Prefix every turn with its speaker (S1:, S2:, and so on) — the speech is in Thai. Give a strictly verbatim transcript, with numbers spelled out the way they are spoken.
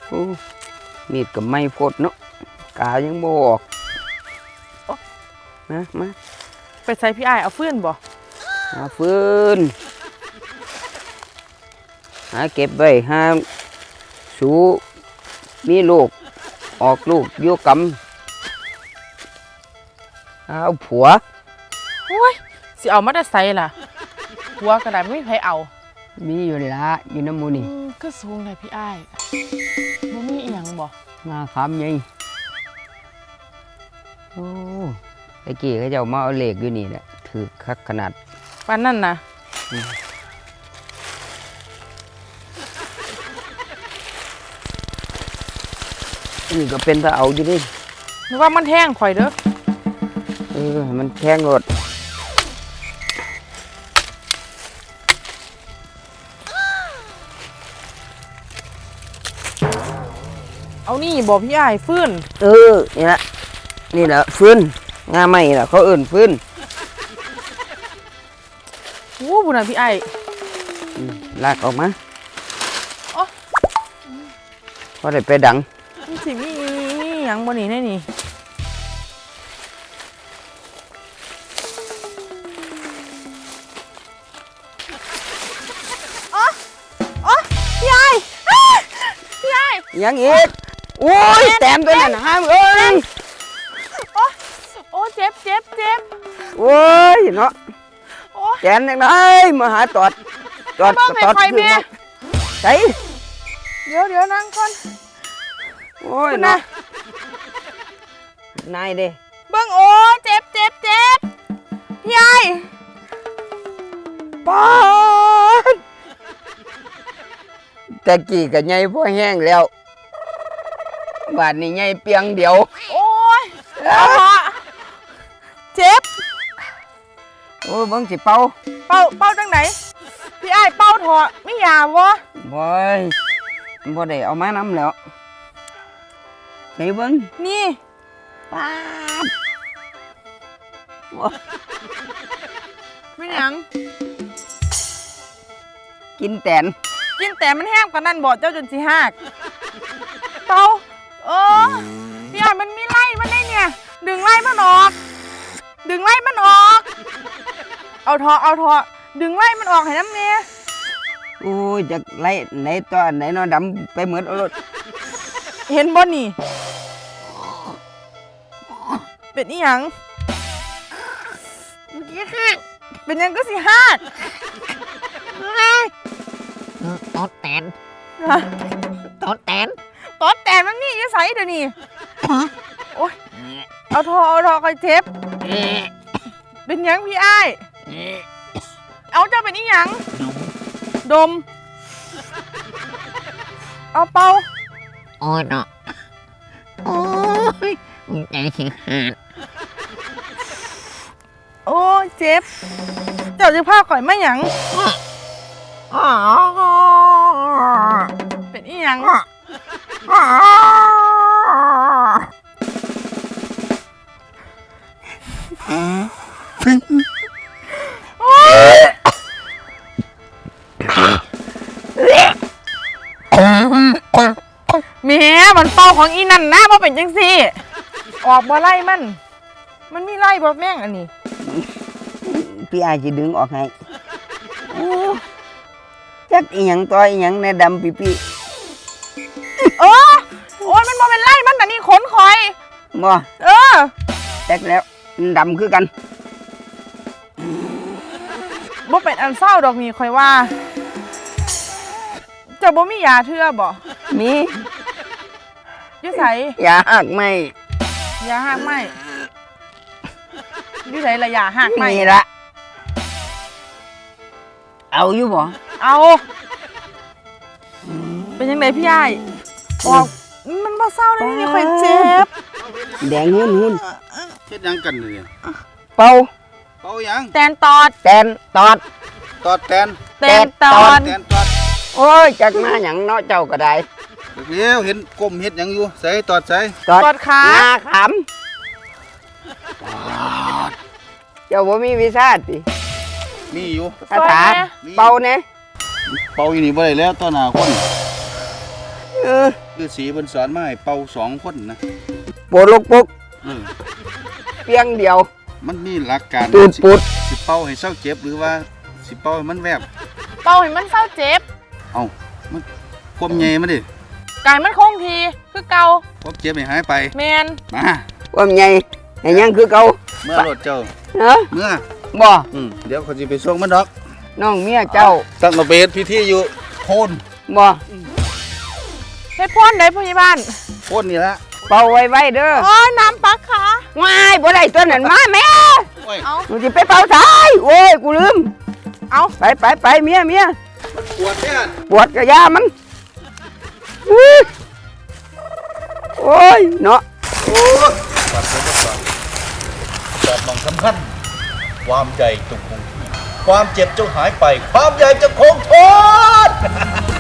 S1: โอ้มีดกับไม้พดเนาะกายังบ่ออกมามา
S2: ไปใส่พี่ไอ้เอาฟืนบ่
S1: หาฟืนหาเก็บไว้หาสูมีลูกออกลูกโยกำเอาผัว
S2: โอ้ยสิเอามาได้ใส่ล่ะผัวกระดาษไม่มีใครเอา
S1: มีอยู่ละอยู่น้ำมูนี่
S2: ก็สูงเลยพี่ไอ้บ่มีอีหยังบ่
S1: งาขามใหญ่โอ้ตะกี้เขาเจ้ามาเอาเหล็กอยู่นี่แหละถือคักขนาด
S2: ปานนั่นนะ
S1: นี่ก็เป็นตะเอาอยู่ดิ
S2: นึกว่ามันแห้งข่อยเด้อ
S1: เออมันแข็งรด
S2: เอานี่บอกพี่ไอ้ฟื้น
S1: เออนี่แหละนี่แหละฟื้นงาไม่ล่ะเขาเอิ่นฟื้น
S2: โอ้บุญนะพี่ไอ้
S1: ลากออกมาพอได้ไปดัง
S2: นี่สิมีมีอย่างบนนี้แน่นี่อ๋ออ๋อพี่ไอ้พี่ไอ้
S1: ยังอีกโอ้ยแต้มตัวนั้นห้ามเอ้ย
S2: โอ้โอ้เจ็บเจ็บเจ็บ
S1: โอ้ยเนาะแกนยังไงมาหาตอด
S2: ตอดตอดขึ้นมา
S1: ใส่
S2: เดี๋ยวเดี๋ยวนั่งก่อน
S1: โอ้ยนะนายเด้
S2: เบิ้งโอ้เจ็บเจ็บเจ็บพี่ไอ้
S1: ปอดแต่กี่กับไงพ่อแห้งแล้วบาดนี้ไงเปียงเดียว
S2: โอ้ยเจ็บ
S1: โอ้ยเบิ้งสิเป่า
S2: เป่าเป่าจังไหนพี่ไอ้เป่าเถอะไม่ยาวะ
S1: บ่ยบ่ได้เอามาน้ำแล้วใส่เบิ้ง
S2: นี่
S1: ป้า
S2: ไม่หยัง
S1: กินแตน
S2: กินแต่มันแห้งกว่านั้นบ่เจ้าจนสิหักเป่าเออพี่ไอ้มันมีไล่มันได้เนี่ยดึงไล่มันออกดึงไล่มันออกเอาเถอะเอาเถอะดึงไล่มันออกให้น้ำเมีย
S1: โอ้ยจากไล่ไหนตัวไหนนอดำไปเหมือนเอารถ
S2: เห็นบ่นี่เป็นอีหยังเป็นยังก็สิฮาด
S1: ตอดแตนตอดแตน
S2: ตอดแตนมันนี่ยังใส่เดี๋ยวนี้โอ้ยเอาทอเอาทอคอยเจ็บเป็นยังพี่ไอ้เอาเจ้าเป็นอีหยังดมเอาเป่า
S1: โอ้ยเนาะโอ้ยใจสิขาด
S2: โอ้ยเจ็บเจ้าจะพาข่อยไม่หยังเป็นอีหยังแม่มันเป่าของอีนั่นนะว่าเป็นจังซี่ออกบ่ไล่มันมันมีไล่บ่แม่งอันนี้
S1: พี่อาจะดึงออกให้จักอีหยังตัวอีหยังในดำปีปี
S2: เออโอ้ยมันบ่เป็นไล่มันแต่นี่ขนคอย
S1: บ่
S2: เออ
S1: แตกแล้วดำคือกัน
S2: บ่เป็นอันเศร้าดอกมีคอยว่าจะบ่มียาเทื่อบ่
S1: มี
S2: อยู่ไส
S1: ยาหักไม่
S2: ยาหักไม่อยู่ไสละยาหักไม่
S1: นี่ละเอาอยู่บ่
S2: เอาเป็นยังไงพี่ใหญ่บอกมันบ่เศร้าเลยนี่คอยเจ็บ
S1: แดงหุ่นหุ่น
S3: เฮ็ดยังกันเลย
S1: เป่า
S3: เป่ายัง
S2: แตนตอด
S1: แตนตอด
S3: ตอดแตน
S2: แตนตอด
S3: แตนตอด
S1: โอ้ยจักมาหยังเนาะเจ้าก็ได้
S3: เดี๋ยวเห็นก้มเฮ็ดหยังอยู่ใส่ตอดใส่
S1: ตอดขาขำเจ้าบ่มีวิชาติ
S3: มีอยู่
S1: คาถาเป่าเนี่ย
S3: เป่าอยู่นี่บ่ได้แล้วตอนหน้าคน
S1: เออ
S3: ฤาษีเพิ่นสอนมาให้เป่าสองคนนะ
S1: ปวดลูกปุก
S3: เออ
S1: เพียงเดียว
S3: มันมีหลักการ
S1: ตูดปุด
S3: สิเป่าให้เศร้าเจ็บหรือว่าสิเป่าให้มันแวบ
S2: เป่าให้มันเศร้าเจ็บ
S3: เอามันความใหญ่มาดิ
S2: กายมันคงทีคือเก่า
S3: ความเจ็บให้หายไป
S2: แมน
S3: มา
S1: ความใหญ่ให้ยังคือเก่า
S3: เมื่อรถเจ้า
S1: เนาะ
S3: เมื่อ
S1: บ่
S3: อืมเดี๋ยวเขาจะไปส่งมันดอก
S1: น้องเมียเจ้า
S3: ตั้งระเบียดพิธีอยู่โคน
S1: บ่
S2: เฮ็ดพ่นได้ผู้ใหญ่บ้าน
S3: โคนนี่ละ
S1: เป่าไว้ๆเด้อ
S2: โอ้ยน้ำปักขา
S1: ว้ายบ่ได้ตัวนั้นมาแม่
S3: โอ้ย
S2: เอา
S1: มึงสิไปเป่าสายโอ้ยกูลืม
S2: เอา
S1: ไปไปไปเมียเมีย
S3: มันปวดเนี่ย
S1: ปวดกระยามันอื้อโอ้ยเนาะ
S3: โอ้ยปวดปวดปวดแต่มองสำคัญความใหญ่จงคงที่ความเจ็บจงหายไป ความใหญ่จะคงทน